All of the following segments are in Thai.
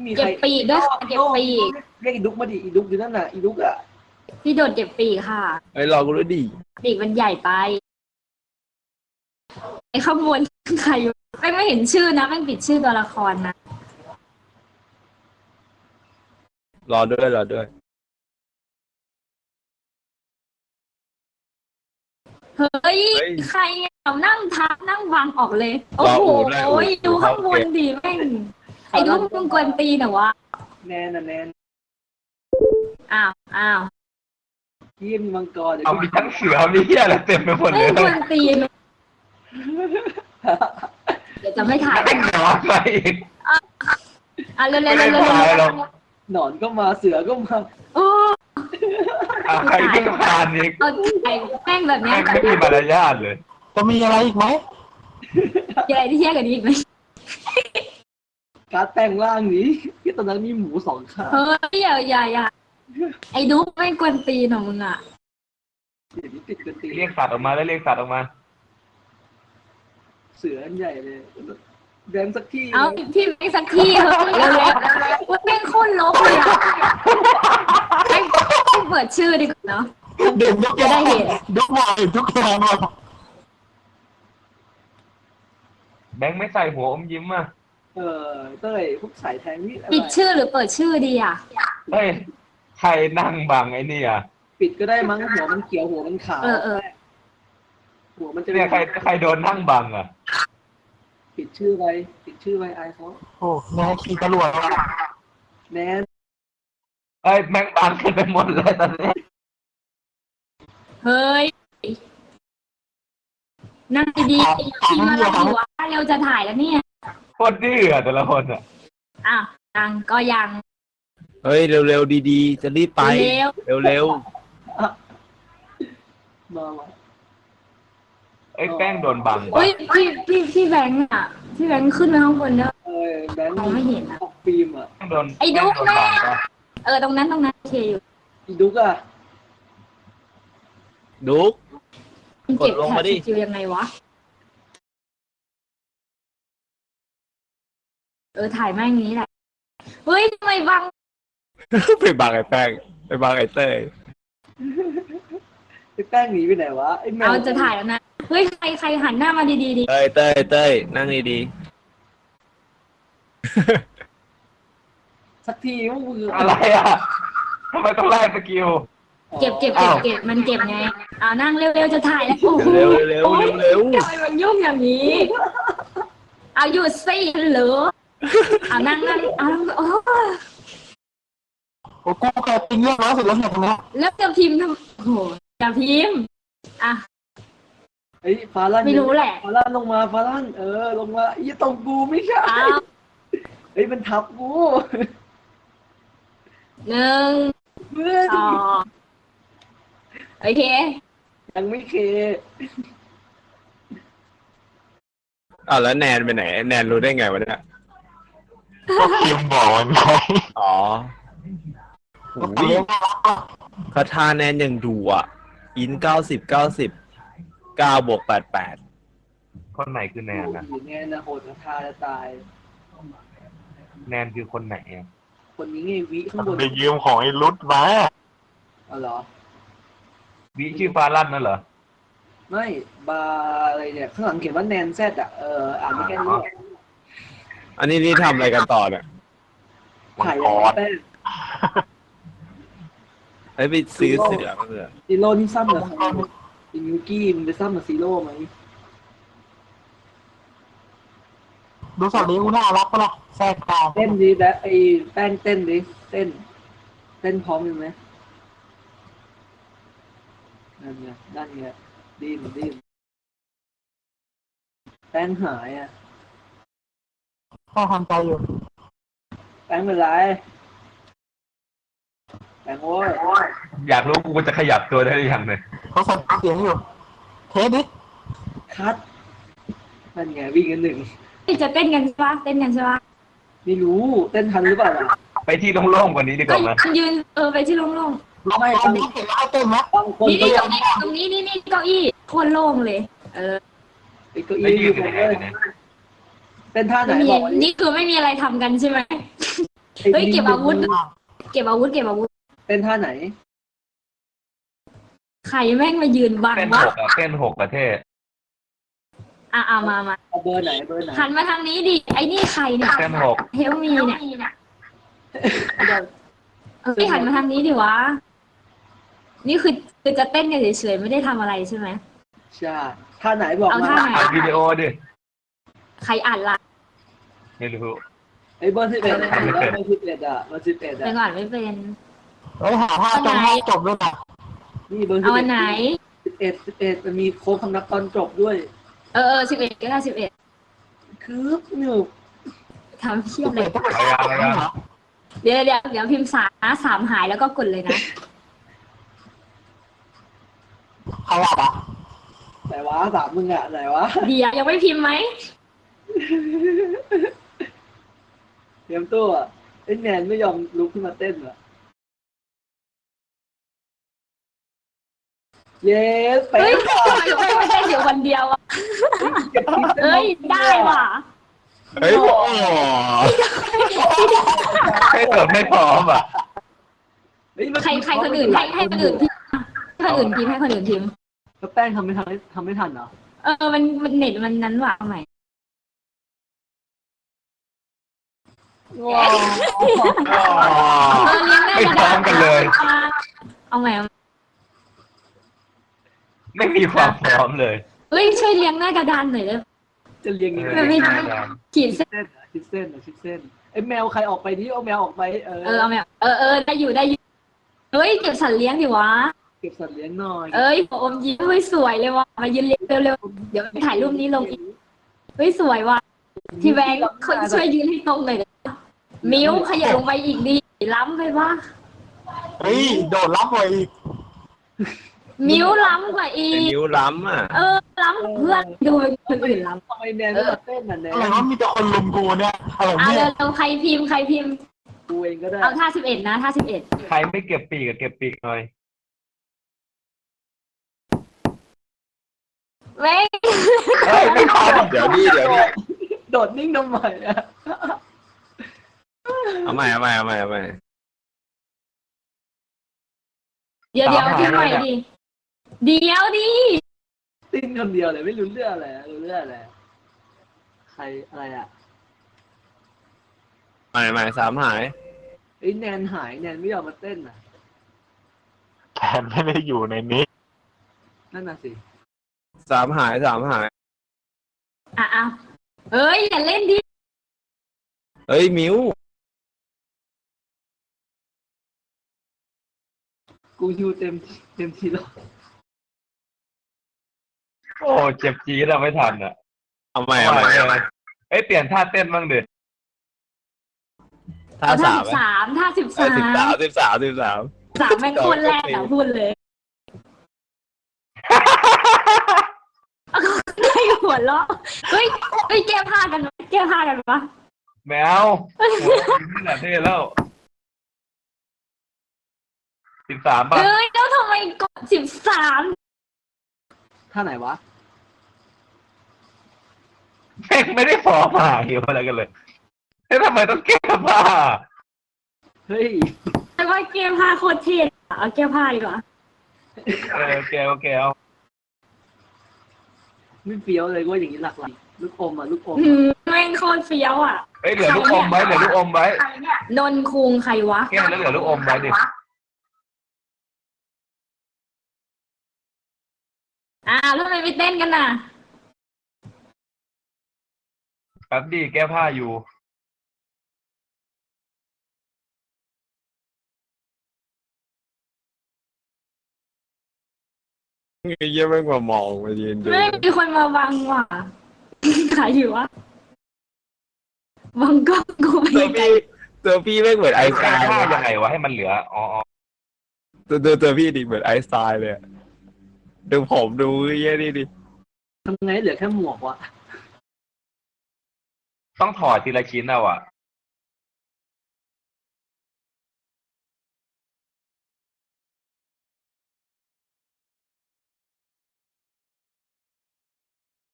มีใครเก็บปีกด้วยค่ะเก็บปีกเรียกอีดุกมาดิอีดุกอยู่นั่นน่ะอีดุกอ่ะพี่โดดเก็บปีกค่ะไอ้ยรอกูด้วยดิปีกมันใหญ่ไปไอ้ขบวนใครไม่เห็นชื่อนะไม่ปิดชื่อตัวละครนะรอด้วยรอด้วยเฮ้ยเฮ้ยใครเอานั่งทับนั่งวางออกเลย โอ้รอโหอู่ด้วยอู่ดูข้างบนอู่ดิแม่งไอ้ลูกมึงกวนตีนเหรอวะแนนน่ะแนนอ้าวที่มีมังกรเดี๋ยวเอามีทั้งเสือมีเหี้ยอะไรเต็มไปหมดเลไม่ยกวนตีนเดี๋ยวจะไม่ถ่ายไม่ขอไปอีกเร็วไม่ได้ถ่ายหรอกหนอนก็มาเสือก็มาโอ้เอาใครขึ้นผ่านอีกเอาไอ้แม่งแบบเนี้แม่ยงไม่มีมารยาทเลยจะมีอะไรอีกไหมมีอะไรที่แย่กว่านี้อีกไหมการ์ดแปลงร่างนี้ที่ตอนนั้นมีหมูสองขาเฮ้ยอย่าไอ้ดูไม่กวนตีนของมึงอ่ะเดี๋ยวนี้ติดกันตีเรียกสัตว์ออกมาแล้วเรียกสัตว์ออกมาเสืออันใหญ่เลยแบมสักที่เอาพี่แม่งสักทีเถอะเร็วๆแม่งโคตรลบเลยอ่ะแม่งเปิดชื่อดีกว่าเนาะเด็กยกจะได้เห็นยกมาทุกอย่างเลยแบงค์ไม่ใส่หัวอมยิ้มอ่ะเต้ยพวกสายแทงนี่อะไรปิดชื่อหรือเปิดชื่อดีอ่ะเฮ้ยใครนั่งบังไอ้นี่อ่ะปิดก็ได้มั้งหัวมันเขียวหัวมันขาวเออหัวมันจะเนี่ยใครโดนนั่งบังอ่ะปิดชื่อไว้อายเขาโอ้แม่ขี่ตำรวจแนนเอ้ยแม่งบังกันไปหมดเลยตอนนี้เฮ้ยนั่งดีๆพิมพ์อะไรอยู่วะเร็วจะถ่ายแล้วเนี่ยโคตรดื้ออะแต่ละคนอ่ะอ้าวยังก็ยังเฮ้ยเร็วๆดีๆ จะรีบไปเร็วเร็วมาว่ะไอ้ยแป้งโดนบังเฮ้วะยพี่แบงค์อ่ะพี่แบงค์ขึ้นไปข้างบนเนอะแบงค์มองไม่เห็นอะออกฟิล์มอ่ะแป้งโดนไอ้ดุ๊กแป้งโดนบังปะตรงนั้นโอเคอยู่อีดุกอ่ะๆดุ๊กมันเก็บกดลงแถมาบดิสกิลยังไงวะถ่ายแม่งอย่างนี้แหละเฮ้ยทำไมบังไปบังไอ้แป้งไปบังไอ้เต้ยไอ้แป้งหนีไปไหนวะไอ้แมวเอาจะถ่ายแล้วนะเฮ้ยใครหันหน้ามาดีๆดิเต้ยนั่งดีสักทีว่ามืออะไรอ่ะทำไมต้องไล่สกิลเก็บมันเก็บไงนั่งเร็วๆจะถ่ายแล้วโอ้โหๆเร็วๆเร็วโอ้ยๆเร็วทำไมมันยุ่งอย่างนี้เอาหยุดสิเหรอนั่งโอ้โอ้กูแกติงเรื่องร้อยสุดแล้วเนี่ยตรงเนี้ยแล้วจะพิมพ์ทำโอ้โหจะพิมพ์อ่ะไอ้ฟาลันไม่รู้แหละฟาลันลงมาฟาลันลงมาอย่าตรงกูไม่ใช่เอาเฮ้ยมันทับกูหนึ่งเพื่อนสองโอเคยังไม่เคๆอ้าวแล้วแนนไปไหนแนนรู้ได้ไงวะเนี่ยก็พิมพ์บอกมันไงอ๋อก็เลี้ยงน่ารักอ่ะคาถาแนนยังดูอ่ะ อิน909 คนไหนคือแนนนะแนนนะโหดกระทาจะตายแนนคือคนไหนอะคนนี้ไงวิข้างบนไปยืมของไอ้รุดมาอ๋อเหรอวิชื่อฟาลั่นนั่นเหรอไม่บาร์อะไรเนี่ยข้างหลังเขียนว่าแนนแซดอ่ะอ่านไม่แค่นี้อันนี้นี่ทำอะไรกันต่อเนี่ยถ่ายแป้งเฮ้ยไปซื้อเสือมาเถอะซีโร่นี่ซ้ำเหรออินยูกี้มันไปซ้ำกับซีโร่ไหมดูสัตว์เลี้ยงกูน่ารักปะล่ะแทรกกลางเต้นดิแบบไอ้แป้งเต้นดิเต้นพร้อมอยู่ไหมนั่นไงดิ้นแป้งหายอ่ะพ่อทำใจอยู่แป้งเป็นไรแป้งโว้ยอยากรู้กูจะขยับตัวได้หรือยังเนี่ยเขาสั่งเสียงอยู่ เทสดิคัดนั่นไงวิ่งกันหนึ่งจะเต้นกันใช่ปะไม่รู้เต้นทันหรือเปล่าล่ะไปที่โล่งๆกว่านี้ดีกก็ว่าไหมยืนไปที่โล่งลองนี้เห็นแล้วเต้นไหมบางคนๆนี่ก็ตรงนี้เก้าอี้โคตรโล่งเลยไอ้เก้าไม่อี้ยือน ยู่อยู่บนยังไงเลยเนี่ยเต้นท่าไหนไม่มีบอกนี่คือไม่มีอะไรทำกันใช่ไหมเฮ้ยเก็บอาวุธ เก็บอาวุธเป็นท่าไหนใครแม่งมายืนบังเต้นวะหกอะเต้นหกประเทศมาเอาเบอร์ไหนเบอร์ไหนหันมาทางนี้ดิ ไอ้นี่ใครเนี่ยเต้นหกเฮลมีเนี่ยเดี๋ยวหันมาทางนี้ดิวะ นี่คือจะเต้นกันเฉยๆไม่ได้ทำอะไรใช่ไหมใช่ท่าไหนบอกเอามาท่าไหนอัดวิดีโอดิใครอ่านล่ะไม่รู้ไอ้เบอร์11เบอร์11อ่ะเบอร์11 ไปอ่ะก่อนไม่เป็นเฮ้ยหาท่าจบให้จบด้วยนะนี่เบอร์เอาอันไหน 11มันมีโค้งคำนับตอนจบด้วย 11ก็ได้11 คือหนึบทำเพี้ยเลยอะไรอะเดี๋ยวพิมพ์3หายแล้วก็กดเลยนะใครอ่ะไหนวะสามมึงอ่ะไหนวะเดี๋ยวยังไม่พิมพ์ไหมเตรียมตัวไอ้แนนไม่ยอมลุกขึ้นมาเต้นเหรอเย้ไปเฮ้ยทำไมไม่ได้เดี๋ยววันเดียวอะเอ้ยได้ว่ะเฮ้ยโอ้ให้เติมไม่พร้อมอ่ะใครคนอื่นให้คนอื่นพิมพ์ให้คนอื่นพิมพ์แล้วแป้งทำไม่ทันเหรอมันเน็ตมันนั้นว่ะเอาใหม่ว้าวเลี้ยงหน้าไม่กระพร้อดาม ษกันเลยเอาใหม่ไม่มีความพร้อมเลยเฮ้ยช่วยเลี้ยงหน้ากระดานหน่อยเลยจะเรียงยังไงไม่ได้ ขีดเส้นชิดเส้นชิดเส้นไอ้แมวใครออกไปนี่เอาแมวออกไปเอาใหม่ได้อยู่เฮ้ยเก็บสัตว์เลี้ยงดิวะเก็บสัตว์เลี้ยงหน่อยเอ้ยอมยิ้มเฮ้ยสวยเลยว่ะมายืนเลี้ยงเร็วๆเดี๋ยวถ่ายรูปนี้ลงอีกเฮ้ยสวยว่ะพี่แบงค์คนช่วยยืนให้ตรงหน่อยนะมิ้วขยับลงไปอีกดิล้ำไปวะเฮ้ยโดดรับไปอีกมิ้วล้ำกว่าอีเป็นกนิ้วล้ำอ่ะล้ำกว่าเพื่อนดูคนอื่นล้ำทำไมแนนไม่มาเต้นน่ะแนอะไรนวะมีแต่คนลุมกูเนี่ยอะไรเอาเนี่ยเร็วๆใครพิมพ์กูเองก็ได้เอาท่า11นะท่า11 ใครไม่เก็บปีกก็เก็บปีกหน่อยเว้ยเฮ้ยไม่ทันเดี๋ยวดิโดดนิ่งทำไมอ่ะเอาใหม่เดี๋ยวพิมพ์ใหม่ดิเดี๋ยวดิติ้นคนเดียวเลยไม่รู้เรื่องอะไรรู้เรื่องอะไรใครอะไรอ่ะใหม่สามหายไอ้แนนหายแนนไม่ยอมมาเต้นอ่ะแขนไม่ได้อยู่ในนี้นั่นน่ะสิสามหายอ่ะเอ้ยอย่าเล่นดิเฮ้ยมิวกูฮิวเต็มทีแล้วโอ้เจ็บจี๊ดเราไม่ทันอ่ะเอาใหม่เอ้ยเปลี่ยนท่าเต้นบ้างดิท่าเอาท่าสาม 13ท่า13 3แม่งคนแรกอ่ะพูดเลยได้หัวเราะเฮ้ยแก้ผ้ากันวะแมวโอ้ยนี่แหละเท่แล้ว13ป่ะเฮ้ยแล้วทำไมกด13 ท่าไหนวะแม่งไม่ได้พร้อมมาเกี่ยวอะไรกันเลยเฮ้ยทำไมต้องแก้ผ้าเฮ้ยแต่ว่าแก้ผ้าโคตรเท่อะเอาแก้ผ้าดีกว่าโอเคเอาไม่เฟี้ยวเลยว่าอย่างนี้หลักลูกอมอ่ะลูกอมแม่งโคตรเฟี้ยวอ่ะเฮ้ยเหลือลูกอมไว้นนคุงใครวะแก้แล้วเหลือลูกอมไว้ดิแล้วทำไมไม่เต้นกันน่ะแป๊บดีแก้ผ้าอยู่เยี่ยมไม่กว่ามองมายืนดูไม่มีคนมาบังว่ะ ขายอยู่วะบังก็กูไปตัวพี่ไม่เหมือนไอน์สไตแก้ล์ผ้าเลยยังไงวะให้มันเหลืออ๋อตัวพี่ดิเหมือนไอน์สไตล์เลยอะดูผมดูเยี่ยนี่ดิทำไงเหลือแค่หมวกวะต้องถอดทีละชิ้นเอาอ่ะ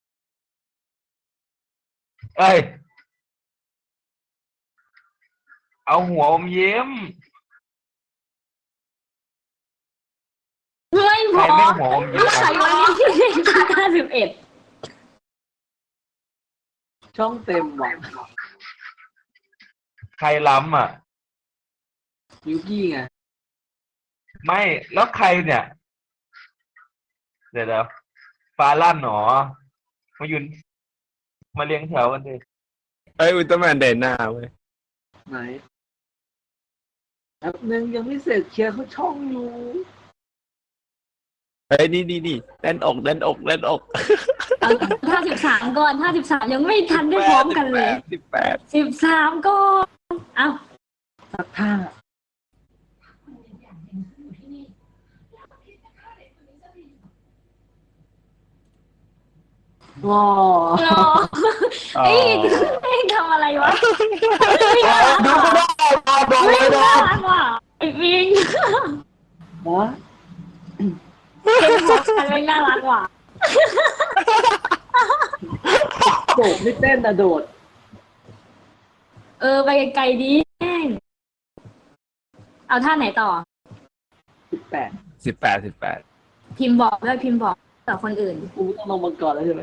เอ้ยเอาหัวอมยิ้มไม่พใครอไม่หัวอมยิ้มใครวันนี้51 ช่องเต็มว่ะใครล้ำอ่ะยูกี้ไงไม่แล้วใครเนี่ย เดี๋ยวฟ้าลั่นหนอมายืนมาเรียงแถวกันดิเอ้ยอุลตร้าแมนเดินหน้าเว้ยไหนแป๊บนึงยังไม่เสร็จเคลียร์เขาช่องอยู่เฮ้ยนี่แน่นอกแน่นอกแน่นอกเอา53ก่อน53ยังไม่ทันได้พร้อมกันเลย 18 13ก่อนเอาสักท่าว้ารอเอ้ยทำอะไรวะไม่น่ารักดูไม่ได้ดูไม่ไม่ได้น่ารักว่ะไอ้ปิงวะเก่งพอกันไม่น่ารักว่ะโดดไม่เต้นนะโดดไปไกลๆดีแม่งเอาท่าไหนต่อ 18 18 พิมพ์บอกด้วยพิมพ์บอกต่อคนอื่นกูต้องลงมาก่อนแล้วใช่ไหม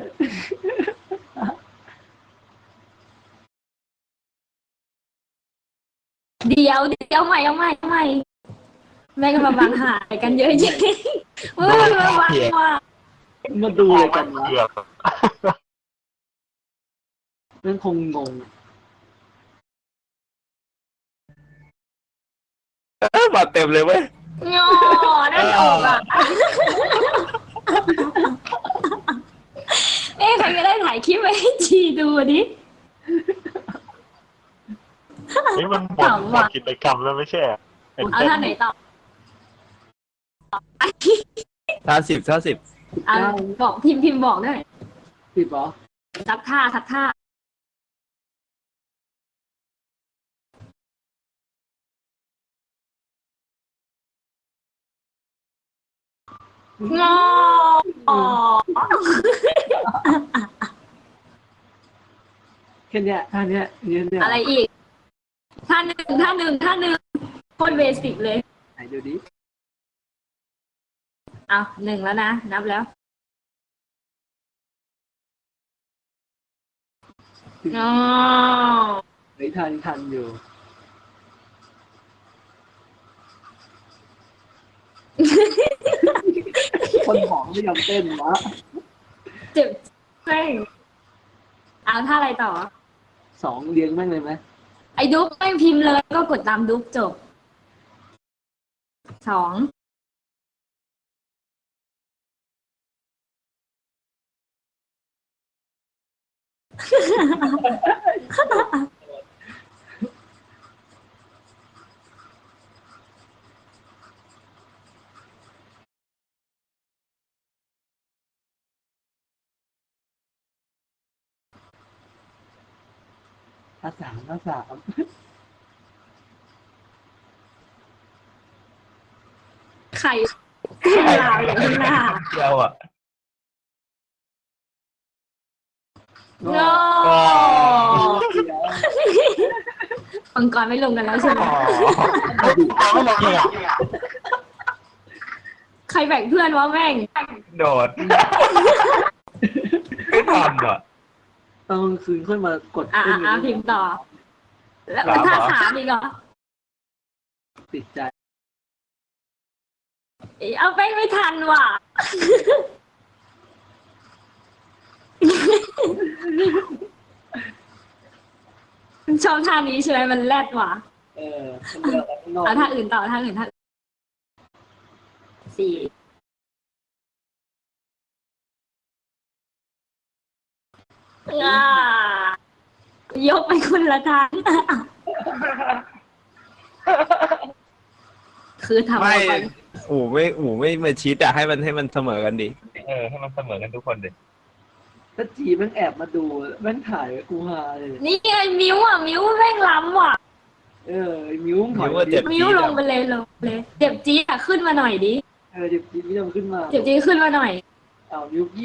เดี๋ยวเอาใหม่แม่งก็มาบังหายกันเยอะจริงเว้ยมาบังว่ะมาดูอะไรกันวะเกือบนั่นคงงงมาเต็มเลยเว้ยงอได้ออกอ่ะใครก็ได้ถ่ายคลิปไว้ให้จีดูดินี่มันหมดกิจกรรมแล้วไม่ใช่เป็นเอาท่าไหนต่อท่าสิบเอาบอกพิมพ์บอกด้วยผิดเหรอทับท่า งอแค่เนี้ยท่าเนี้ยเนี่ยอะไรอีกท่าหนึ่งโคตรเบสิกเลยไหนดูดิเอา1แล้วนะนับแล้วงอเฮ้ยทันอยู่ คนหองไม่ยอมเต้นวะเจ็บแม่งเอาท่าอะไรต่อ 2เรียงแม่งเลยไหมไอ้ดุ๊กไม่พิมพ์เลยก็กดตามดุ๊กจบ2 ท่าสามไข่ขึ้นลาวอยู่ข้างหน้าเดียวอ่ะโง่มังกรไม่ลงกันแล้วใช่ไหมไม่ลงเลยอ่ะใครแบ่งเพื่อนวะแม่งโดด ไม่ทันอ่ะตอนกลางคืนค่อยมากดอ่ะเต้นกันพิมพ์ต่อ แล้วสามเหรอท่า3อีกเหรอติดใจเอาไปไม่ทันว่ะ ชอบท่านี้ใช่ไหมมันแรดว่ะมันเลือกอะไรข้างนอกเอาท่าอื่นต่อท่าอื่น4ยกไปคนละทาง คือทำไม่ไปอูไม่มาชิดอะให้มันเสมอกันดิให้มันเสมอกันทุกคนดิถ้าจีแม่งแอบมาดูแม่งถ่ายไว้กูฮาเลยนี่ไงมิ้วแม่งล้ำว่ะไอ้มิ้วถอยมิ้วว่าเจ็บมิ้วลงไปเลยเจ็บจี๊ดอะขึ้นมาหน่อยดิเจ็บจีไม่ยอมขึ้นมาเจ็บจี๊ดขึ้นมาหน่อยเอามิ้ว